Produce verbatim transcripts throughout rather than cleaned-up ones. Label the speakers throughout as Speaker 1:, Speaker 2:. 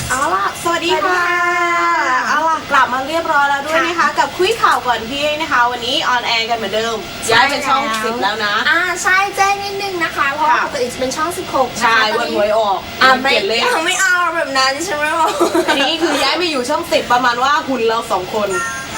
Speaker 1: เอาล่ะสวัสดีค่ะเอาล่ะกลับมาเรียบร้อยแล้วด้วยนะคะกับคุยข่าวก่อนพี่นะคะวันนี้ออนแอร์กันเหมือนเดิมย้ายเป็นช่องสิบแล้วนะ
Speaker 2: อ่าใช่แจ้งนิดนึงนะคะเพราะว่าปกติจะเป็นช่องสิบหก
Speaker 1: ใช่วันหวยออก
Speaker 2: อ่าไม่
Speaker 1: เปลี่ยนเลข
Speaker 2: ไม่เอาแบบนั้นใช่ไหมบอก
Speaker 1: อันนี้คือย้ายมาอยู่ช่องสิบประมาณว่าหุ่นเราสองคน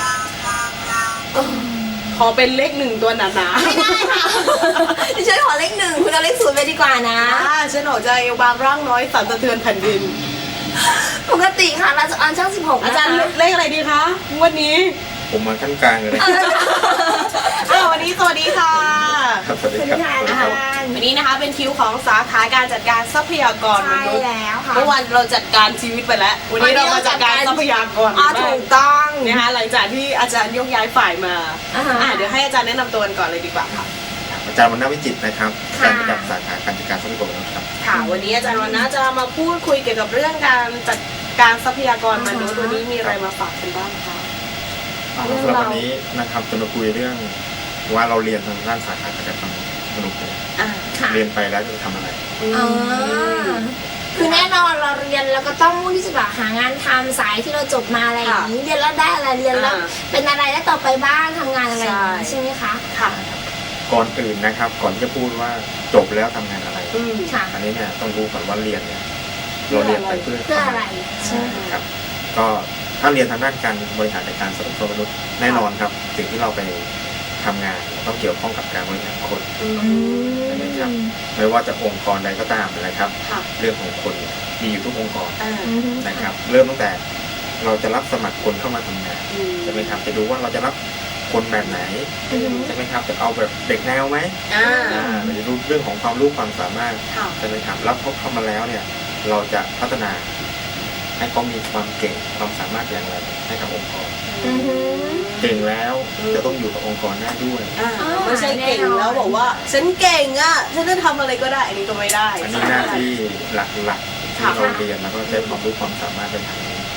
Speaker 1: ขอเป็นเลขหนึ่งตัวหนาๆ
Speaker 2: ไม่ได้ค่ะดิฉันขอเลขหนึ่งคุณเอาเลขศูนย์ไปดีกว่านะ
Speaker 1: อ่าฉันออกใจบางร่างน้อยสั่นสะเทือนแผ่นดิน
Speaker 2: ปกติค่ะเราจะออนช่องสิบหก
Speaker 1: อาจารย์เลขอะไรดีคะวันนี้
Speaker 3: ผมมาขั้นกลางเลย
Speaker 1: อ้าววันนี้สวัสดีค่ะ
Speaker 3: สวัสดีครับ
Speaker 1: วันนี้นะคะเป็นคิวของสาขาการจัดการทรัพยากรมนุษย์
Speaker 2: แล้วค่ะ
Speaker 1: เมื่อวันเราจัดการชีวิตไปแล้ววันนี้เรามาจัดการทรัพยากร
Speaker 2: ถูกต้อง
Speaker 1: นะคะหลังจากที่อาจารย์ยกย้ายฝ่ายมาอ่าเดี๋ยวให้อาจารย์แนะนำตัวกันก่อนเลยดีกว่าค่ะ
Speaker 3: อาจารย์วรรณวิจิตรนะครับอาจารย์ประจำสาขาการจัดการทรัพยากรครับ
Speaker 1: ค่ะวันนี้อาจารย์วรรณจะมาพูดคุยเกี่ยวกับเรื่องการจัดการทรัพยากรมนุษย์วันนี้มีอะไรมาฝากกันบ้างคะ
Speaker 3: สำหรับวันนี้นะครับจะมาคุยเรื่องว่าเราเรียนทางด้านสาขาการจัดการมนุษย์เรียนไปแล้วจะทำอะไร
Speaker 2: อ๋อคือแน่นอนเราเรียนแล้วก็ต้องมุ่งที่จะแบบหางานทำสายที่เราจบมาอะไรอย่างนี้เรียนแล้วได้อะไรเรียนแล้วเป็นอะไรแล้วต่อไปบ้างทำงานอะไรใช่ไหมคะ
Speaker 1: ค่ะ
Speaker 3: ก่อนอื่นนะครับก่อนจะพูดว่าจบแล้วทำงานอะไร
Speaker 2: ค่ะ
Speaker 3: อันนี้เนี่ยต้องรู้ก่อนว่าเรียนเนี่ยเราเรียนไปเพื่อ
Speaker 2: เพื่ออะไร
Speaker 3: ใช่ครับก็ถ้าเรียนทางด้านการบริหารจัดการทรัพยากรมนุษย์แน่นอนครับสิ่งที่เราไปทำงานต้องเกี่ยวข้องกับการบริหารคนใช่ไหมครับไม่ว่าจะองค์กรใดก็ตามนะครับเรื่องของคนมีอยู่ทุกองค์กรนะครับเริ่มตั้งแต่เราจะรับสมัครคนเข้ามาทำงานใช่ไหมครับจะดูว่าเราจะรับคนแบบไหนใช่ไหมครับจะเอาแบบเด็กแนวไหมเราจะดูเรื่องของความรู้ความสามารถใช่ไหมครับรับเขาเข้ามาแล้วเนี่ยเราจะพัฒนาให้เขามีความเก่งความสามารถอย่างไรให้กับองค์กรเก่งแล้วจะต้องอยู่กับองค์กรได้ด้วย
Speaker 1: ไม่ใช่เก่งแล้วบอกว่าฉันเก่งอ่ะฉันจะทำอะไรก็ได้อันนี้ก็ไม่ได้
Speaker 3: อันนี้หน้าที่หลักๆที่เราเรียนแล้วก็ใช้ความรู้ความสามารถเป็นทางนี้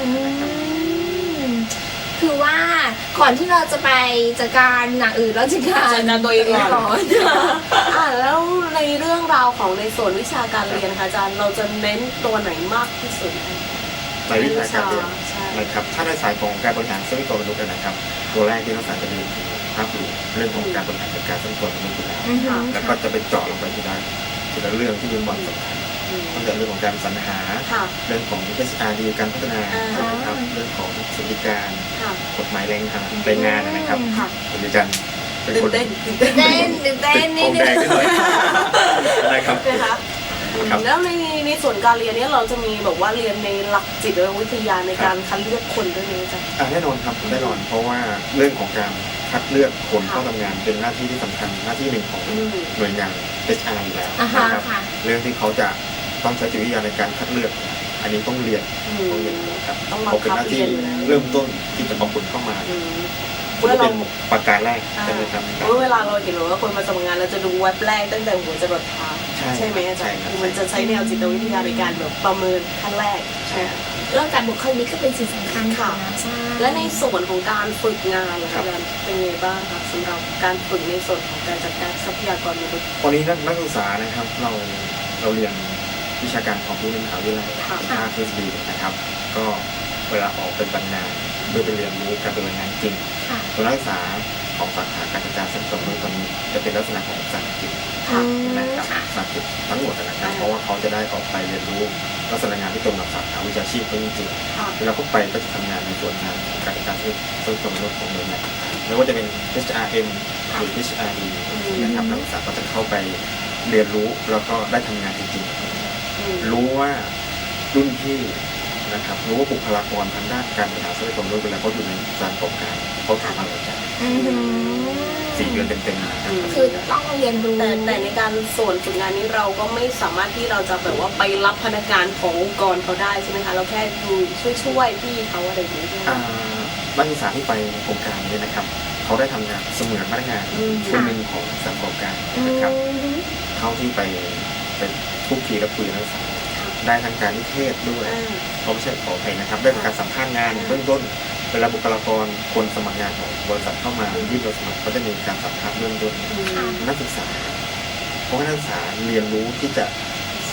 Speaker 2: คือว่าก่อนที่เราจะไปจัดการอย่างอื่นเราจะการ
Speaker 1: จัดการตัวเองก่อนอ่าแล้วในเรื่องราวของในส่วนวิชาการเรียนค่ะอาจารย์เราจะเน้นตัวไหนมากที่สุด
Speaker 3: ในวิชาการเรียนนะครับถ้าในสายของการบริหารทรัพยากรมนุษย์นะครับตัวแรกที่นักศึกษาจะเรียนคือภาพรวมเรื่องของการบริหารจัดการทรัพยากรมนุษย์อยู่แล้วแล้วก็จะไปเจาะลงไปทีละทีละเรื่องที่มีความสำคัญตั้งแต่เรื่องของการสรรหาเรื่องของ เอช อาร์ ดี การพัฒนานะครับเรื่องของสวัสดิการกฎหมายแรงงานแรงงานนะครับคุณอาจารย์
Speaker 1: เป็นคน
Speaker 2: เต้นเต้นเต้นนี่
Speaker 3: แดงนิดหน่อยนะครับ
Speaker 1: แล้วในในส่วนการเรียนนี้เราจะมีแบบว่าเรียนในหลักจิตวิทยาในการคัดเลือกคนด้วยไหมจ๊ะ
Speaker 3: แน่นอนครับแน่นอนเพราะว่าเรื่องของการคัดเลือกคนเข้าทำงานเป็นหน้าที่ที่สำคัญหน้าที่หนึ่งของหน่วยงาน เอช อาร์ อยู่แล้วนะครับเรื่องที่เขาจะต้องใช้จิตวิทยาในการคัดเลือกอันนี้ต้องเรียนต้องเรียนครับเขาเป็นหน้าที่เริ่มต้นที่จะเอาคนเข้ามาเมื่อเราประการแรกใช่ไหมครับ
Speaker 1: เมื่อเวลาเราเห็นว่าคนมาสมัครงานเราจะดูเว็บแรกตั้งแต่หัวจรดเท้าใช่ไหมอาจารย์คือมันจะใช้แนวจิตวิทยาในการแบบประเมินขั้นแรกใช่
Speaker 2: เรื่องการบุคลิกก็เป็นสิ่งสำคัญค่ะ
Speaker 1: และในส่วนของการฝึกงานอาจารย์เป็นไงบ้างคะสำหรับการฝึกในส่วนของการจัดการทรัพยากรมนุษย์
Speaker 3: ตอนนี้นักศึกษานะครับเราเราเรียนวิชาการความรู้ในมหาวิทยาลัยภาคทฤษฎีนะครับก็เวลาออกเป็นบรรณาเพื่อไปเรียนรู้การปฏิบัติงานจริงตัวนักศึกษาของสาขาการจัดการทรัพยากรมนุษย์ตอนนี้จะเป็นลักษณะของภาษาอังกฤษนะครับภาษาอังกฤษทั้งหมดนะครับเพราะว่าเขาจะได้ออกไปเรียนรู้ลักษณะงานที่ตรงกับสาขาวิชาชีพเขาจริงๆเวลาเขาไปก็จะทำงานในส่วนงานการจัดการทรัพยากรมนุษย์ของหน่วยงานไม่ว่าจะเป็น เอช อาร์ เอ็ม หรือ เอช อาร์ ดี นะครับนักศึกษาก็จะเข้าไปเรียนรู้แล้วก็ได้ทำงานจริงๆรู้ว่ารุ่นพี่นะครับรู้ว่าบุคลากรทางด้านการบริหารทรัพยากรมนุษย์เวลาเขาอยู่ในการประกอบการเขาทำอะไรกันสี่เดือนเต็มๆนะครับ
Speaker 2: คือต้องเรียนรู้
Speaker 1: แต่แต่ในการส่วนฝึกงานนี้เราก็ไม่สามารถที่เราจะแบบว่าไปรับพนักงานขององค์กรเขาได้ใช่ไหมคะเราแค่ดูช่วยๆพี่เขาอะไรอย่างนี้
Speaker 3: นักศึกษาที่ไปโครงการนี้นะครับเขาได้ทำงานเสมือนพนักงานคนหนึ่งของสถานประกอบการนะครับเขาที่ไปเป็นทุกทีกับคุยนักศึกษาได้ทางการนิเทศด้วยเขาไม่ใช่ขออภัยนะครับได้การสัมภาษณ์งานเบื้องต้นเวลาบุคลากรคนสมัครงานของบริษัทเข้ามายื่นใบสมัครก็จะมีการสัมภาษณ์เบื้องต้นนักศึกษาเพราะนักศึกษาเรียนรู้ที่จะ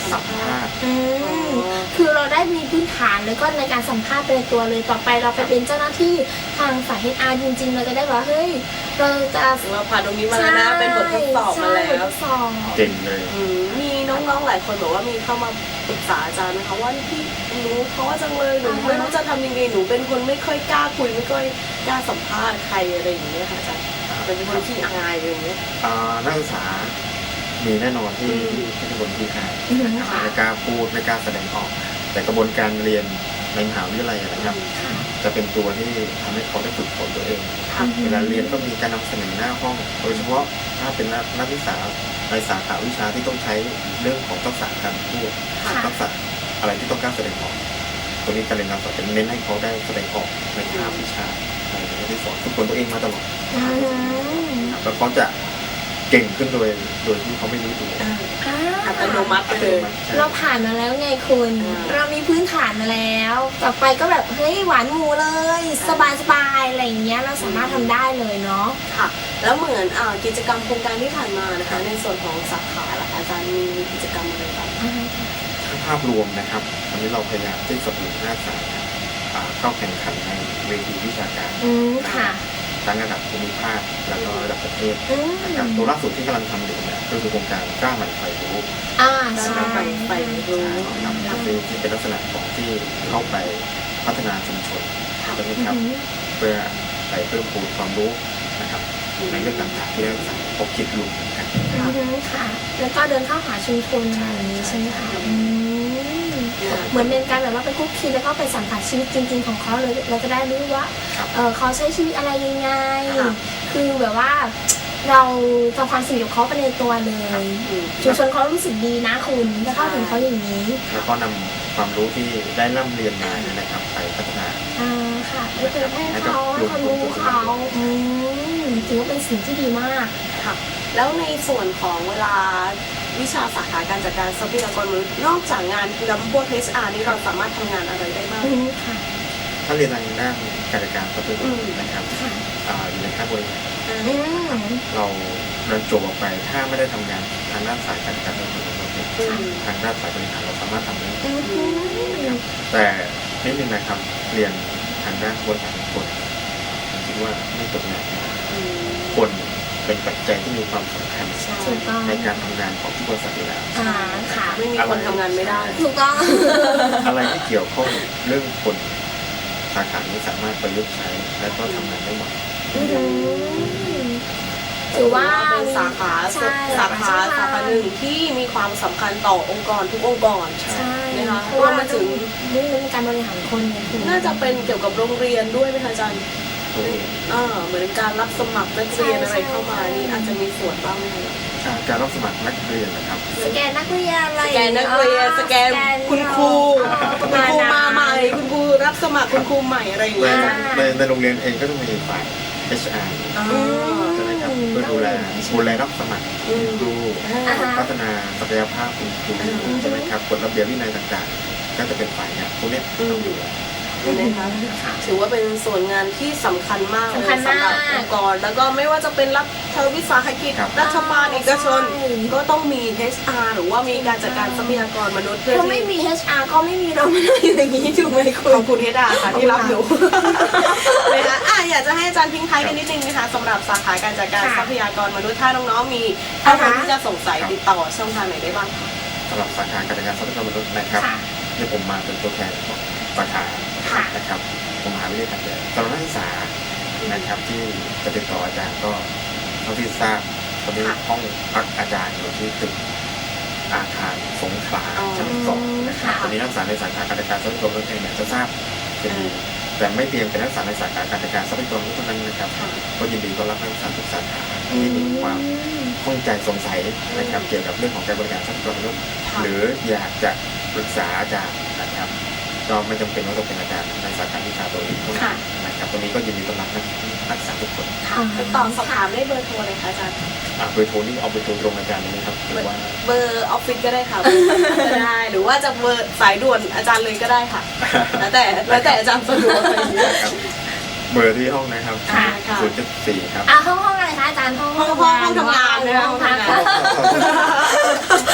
Speaker 3: สัมภาษณ์
Speaker 2: อืมคือเราได้มีพื้นฐานแล้วก็ในการสัมภาษณ์เป็นตัวเลยต่อไปเราไปเป็นเจ้าหน้าที่ทางสาย เอช อาร์ จริงๆ เราจะได้ว่าเฮ้ยเราจะ
Speaker 1: เราผ่านตรงนี้มาแล้วนะเป็นบททดสอบมาแล้
Speaker 2: ใช่บท
Speaker 1: ว
Speaker 2: ทดสอบ
Speaker 3: เก่งเลย
Speaker 1: อืมมีน้องๆหลายคนบอกว่ามีเข้ามาปรึกษาอาจารย์นะคะว่าพี่หนูเพราะว่าจังเลยหนูไม่รู้จะทำยังไงหนูเป็นคนไม่ค่อยกล้าคุยไม่ค่อยกล้าสัมภาษณ์ใครอะไรอย่างเงี้ยค่ะอาจารย์เป็นคนขี้อายอะไรอย่างเงี้ย
Speaker 3: อ่านักศึกษามีแน่นอนที่
Speaker 1: อืม
Speaker 3: ที่ที่เป็นคนที่หาย
Speaker 2: อืม
Speaker 3: นะครับ
Speaker 2: ค่ะ
Speaker 3: ไม่กล้าพูดไม่กล้าแสดงออก แต่กระบวนการเรียนในมหาวิทยาลัยนะครับ
Speaker 2: ค่ะ
Speaker 3: จะเป็นตัวที่ทำให้เขาได้ฝึกฝนตัวเอง
Speaker 1: ค่ะ
Speaker 3: เวลาเรียนก็มีการนำเสนอหน้าห้อง โดยเฉพาะถ้าเป็นนักนักศึกษาในสาขาวิชาที่ต้องใช้เรื่องของทักษะการพูด
Speaker 2: ค่ะ
Speaker 3: ทักษะอะไรที่ต้องการแสดงออกตัวนี้การเรียนการสอนจะเน้นให้เขาได้แสดงออกในภาควิชาอะไรอย่างที่สอนฝึกฝนตัวเองมาตลอด
Speaker 2: อืม
Speaker 3: แล้วเขาจะเก่งขึ้นโดยโดยที่เขาไม่รู้ตัว
Speaker 1: อ่า
Speaker 2: อ่า
Speaker 1: อัตโนมัติไปเลย
Speaker 2: เราผ่านมาแล้วไงคุณ
Speaker 1: อ่า
Speaker 2: เรามีพื้นฐานมาแล้ว ต่อไปก็แบบเฮ้ยหวานหมูเลย สบายสบายๆอะไรอย่างเงี้ยเราสามารถทำได้เลยเนาะ
Speaker 1: ค่ะ แล้วเหมือนอ่ากิจกรรมโครงการที่ผ่านมานะคะ ในส่วนของสาขาล่ะคะอาจารย์มีกิจกรรมอะไรบ้าง
Speaker 3: ถ้าภาพรวมนะครับวันนี้เราพยายามที่สนับสนุนนักศึกษาอ่าเข้าแข่งขันในเวทีวิชาการ
Speaker 2: อืมค่ะ
Speaker 3: ทั้งระดับภูมิภาคแล้วก็ระดับประเทศ
Speaker 2: อืม
Speaker 3: นะครับตัวล่าสุดที่กำลังทำอยู่เนี่ยก็คือโครงการกล้าใหม่ไฟรู้
Speaker 2: อ่า
Speaker 1: ได้
Speaker 2: ใช่
Speaker 1: ไปไปรู้
Speaker 3: นะครับซึ่งที่เป็นลักษณะของที่เข้าไปพัฒนาชุมชนใช่ไหมครับ
Speaker 2: อืม
Speaker 3: เพื่อไปเพิ่มพูนความรู้นะครับในเรื่องต่างๆที่นักศึกษาพบคิดอยู่นะครับ
Speaker 2: อืมค่ะ แล้วก็เดินเข้าหาชุมชนอะไรอย่างนี้ใช่ไหมคะอืมเหมือนเป็นการแบบว่าไปคุกคีแล้วก็ไปสัมผัสชีวิตจริง ๆ ของเขาเลยเราจะได้รู้ว่า
Speaker 3: ครับ
Speaker 2: เออเขาใช้ชีวิตอะไรยังไง
Speaker 1: ค่ะ
Speaker 2: คือแบบว่าเราทำความสนิทกับเขาไปในตัวเลย
Speaker 1: อืม
Speaker 2: ชุมชนเขารู้สึกดีนะคุณถ้าเข้าถึงเขาอย่างนี้
Speaker 3: แล้วก็นำความรู้ที่ได้ร่ำเรียนมาเนี่ยนะครับ ไปพัฒนา
Speaker 2: อ่าค่ะไปเผยแพร่เขาให้เขารู้เขาอืมถือว่าเป็นสิ่งที่ดีมาก
Speaker 1: ค่ะ แล้วในส่วนของเวลาวิชาสาขาการจัดการทรัพยากรมนุษย์นอกจากงานลำพวก เอช อาร์ นี่เราสามารถทำงานอะไรได้บ้าง
Speaker 2: อืมค่ะ
Speaker 3: ถ้าเรียนทางด้านการจัดการทรัพยากรนะครับ
Speaker 2: ค่ะ
Speaker 3: อ่าอยู่ในขั้นบริหาร
Speaker 2: อืม
Speaker 3: เราเรียนจบออกไปถ้าไม่ได้ทำงานทางด้านสายการจัดการทรัพยากรมนุษย์เนี่ย
Speaker 1: อืม
Speaker 3: ทางด้านสายบริหารเราสามารถทำได้
Speaker 2: อืม
Speaker 3: แต่นิดนึงนะครับเรียนทางด้านบริหารคนผมคิดว่าไม่จบงานนะ
Speaker 1: อืม
Speaker 3: คนเป็นปัจจัยที่มีความสำคัญ
Speaker 2: ถูกต้อง
Speaker 3: ในการทำงานของทุกบริษัทอยู่แล้ว
Speaker 2: อ่าค่ะ
Speaker 1: ไม่มีคนทำงานไม่ได้
Speaker 2: ถูกต้อง
Speaker 3: อะไรที่เกี่ยวข้องเรื่องคนสาขานี้สามารถประยุกต์ใช้และก็ทำงานได้หมด
Speaker 2: อืมถือว่า
Speaker 1: เป็นสาขา
Speaker 2: ใช่
Speaker 1: สาขาสาขาหนึ่งที่มีความสำคัญต่อองค์กรทุกองค์กร
Speaker 2: ใช่
Speaker 1: นะคะ
Speaker 2: เพราะว่า
Speaker 1: รวมไปถึง
Speaker 2: เรื่องเป็นการบริหารคนไงคุณ
Speaker 1: น่าจะเป็นเกี่ยวกับโรงเรียนด้วยไหมคะอาจารย์
Speaker 3: ตัวเอง
Speaker 1: อ่าเหมือนการรับสมัครนักเรียนอะไรเข้ามานี่อาจจะมีส่วนบ้างไหมคะ
Speaker 3: อ่าการรับสมัครนักเรียนนะครับ
Speaker 2: สแกนนักเรียนอะไร
Speaker 1: สแกนนักเรียนสแกนคุณครู
Speaker 2: อ๋อประ
Speaker 1: คุณ
Speaker 2: มาณ
Speaker 1: ครู
Speaker 2: นั้น
Speaker 1: มาใหม่คุณครูรับสมัครคุณครูใหม่อะไรอย่าง
Speaker 3: ใน
Speaker 1: เงี้ย
Speaker 2: อ่า
Speaker 3: ในในโรงเรียนเองก็ต้องมีฝ่าย เอช อาร์
Speaker 1: อ่า
Speaker 3: ใช่ไหมครับเพื่อดูแลดูแลรับสมัคร
Speaker 1: อืม
Speaker 3: ดู
Speaker 2: อ่าฮะ
Speaker 3: พัฒนาศักยภาพคุณครู
Speaker 1: อืม
Speaker 3: ใช่ไหมครับกฎระเบียบวินัยต่างๆ ก็จะเป็นฝ่ายงานพวกเนี้ย
Speaker 1: อืม
Speaker 3: ต้องดูแล
Speaker 1: นะคะ ถือว่าเป็นส่วนงานที่สำคัญมากเลย
Speaker 2: สำคัญมาก
Speaker 1: สำหรับองค์กร แล้วก็ไม่ว่าจะเป็นรัฐวิสาหกิจ
Speaker 3: ครับ
Speaker 1: รัฐบาลเอกชน
Speaker 2: ใช่
Speaker 1: ก็ต้องมี เอช อาร์ หรือว่ามีการจัดการทรัพยากรมนุษย์เพื่อ
Speaker 2: ถ้าไม่
Speaker 1: ที่
Speaker 2: มี เอช อาร์ ก็ไม่มีเราไม่ได้อยู่อย่างนี้ถูกไหมคุ
Speaker 1: ข
Speaker 2: ณ
Speaker 1: อบคุณเฮดาค่ะที่รับอยู่นะคะอ่ะอยากจะให้อาจารย์ทิ้งท้ายกันนิดนึงนะคะสำหรับสาขาการจัดการ
Speaker 2: ค่ะ
Speaker 1: ทรัพยากรมนุษย์ถ้าน้องๆมีข้อมูล
Speaker 2: อ่าฮะ
Speaker 1: ที่จะสงสัยติดต่อช่องทางไหนได้บ้างคะ
Speaker 3: สำหรับสาขาการจัดการทรัพยากรมนุษย์นะครับ
Speaker 2: ค่ะ
Speaker 3: ที่ผมมาเป็นตัวแทนของสาขา
Speaker 2: ค่ะ
Speaker 3: นะครับผมมหาวิทยาลัยขอนแก่นสำหรับนักศึกษานะครับที่จะติดต่ออาจารย์ก็เท่าที่ทราบตอนนี้
Speaker 1: ค่ะ
Speaker 3: ห้องพักอาจารย์อยู่ที่ตึกอาคารสงขลา
Speaker 1: อ๋อ
Speaker 3: ชั้นสองนะครับ
Speaker 2: ค่ะ
Speaker 3: ตอนนี้นักศึกษาในสาขาการจัดการทรัพยากรมนุษย์เองเนี่ยจะทราบเป็นดีแต่ไม่เพียงเป็นนักศึกษาในสาขาการจัดการทรัพยากรมนุษย์เท่านั้นนะครับ
Speaker 1: ค่ะ
Speaker 3: ก็ยินดีต้อนรับนักศึกษาทุกสาขาที่มีความข้องใจสงสัยนะครับเกี่ยวกับเรื่องของการบริการทรัพยากรมนุษย์
Speaker 1: ค่ะ
Speaker 3: หรืออยากจะปรึกษาอาจารย์นะครับก็ไม่จำเป็นว่าต้องเป็นอาจารย์ในสาขาวิชาตัวเองเท่านั้นนะครับตรงนี้ก็ยินดีต้อนรับนักนักศึกษาทุกคน
Speaker 1: ค่ะติดต่อสอบถามได้เบอร์โทรเลยค่ะอาจารย์
Speaker 3: อ่าเบอร์โทรนี่เอาเบอร์โทรตรงอาจารย์เลยนะครับหรือว่า
Speaker 1: เบอร์ออฟฟิศก็ได้ค่ะเบอร์ก็ได้ หรือว่าจะเบอร์สายด่วนอาจารย์เลยก็ได้ค่ะ แล้วแต่แล้วแต่อาจารย์สะดวกอะไรอย่างเงี้ย
Speaker 3: ครับเบอร์ที่ห้องนะครับ
Speaker 1: ค่ะค่ะ
Speaker 3: ศูนย์จุดสี่ครับ
Speaker 2: อ่ะห้องห้องอะไรคะอาจารย์ห้อง
Speaker 1: ห้องห้องห้องทำงานนะคะห้องทำงาน โอ้ย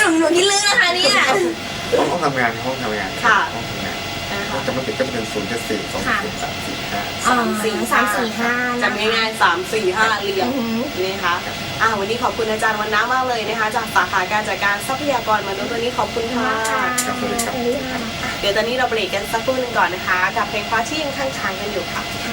Speaker 2: นูหนูคิดลึกนะคะเนี่ย
Speaker 3: ห้องห้องทำงานห้องทำงาน
Speaker 1: ค่ะ
Speaker 3: ห้องทำงาน
Speaker 1: นะคะ
Speaker 3: ห้องจำไม่ผิดก็จะเป็นศูนย์เจ็ดสี่สองศูนย์สามสี่ห้า
Speaker 2: อ๋อ
Speaker 1: สามสี่
Speaker 2: สามสี่ห้า
Speaker 1: จำง่ายๆสามสี่ห้าเรียง
Speaker 2: อือหือ
Speaker 1: นี่นะคะอ่าวันนี้ขอบคุณอาจารย์วันน้ามากเลยนะคะ จากสาขาการจัดการทรัพยากรมนุษย์วันนี้ขอบคุณค่ะ
Speaker 3: ครับสวัสดีครับ
Speaker 2: สวัสดีค่ะ
Speaker 1: เดี๋ยวตอนนี้เราเบรกกันสักครู่หนึ่งก่อนนะคะ กับเพลงเพราะที่ยังค้างๆกันอยู่ค่ะ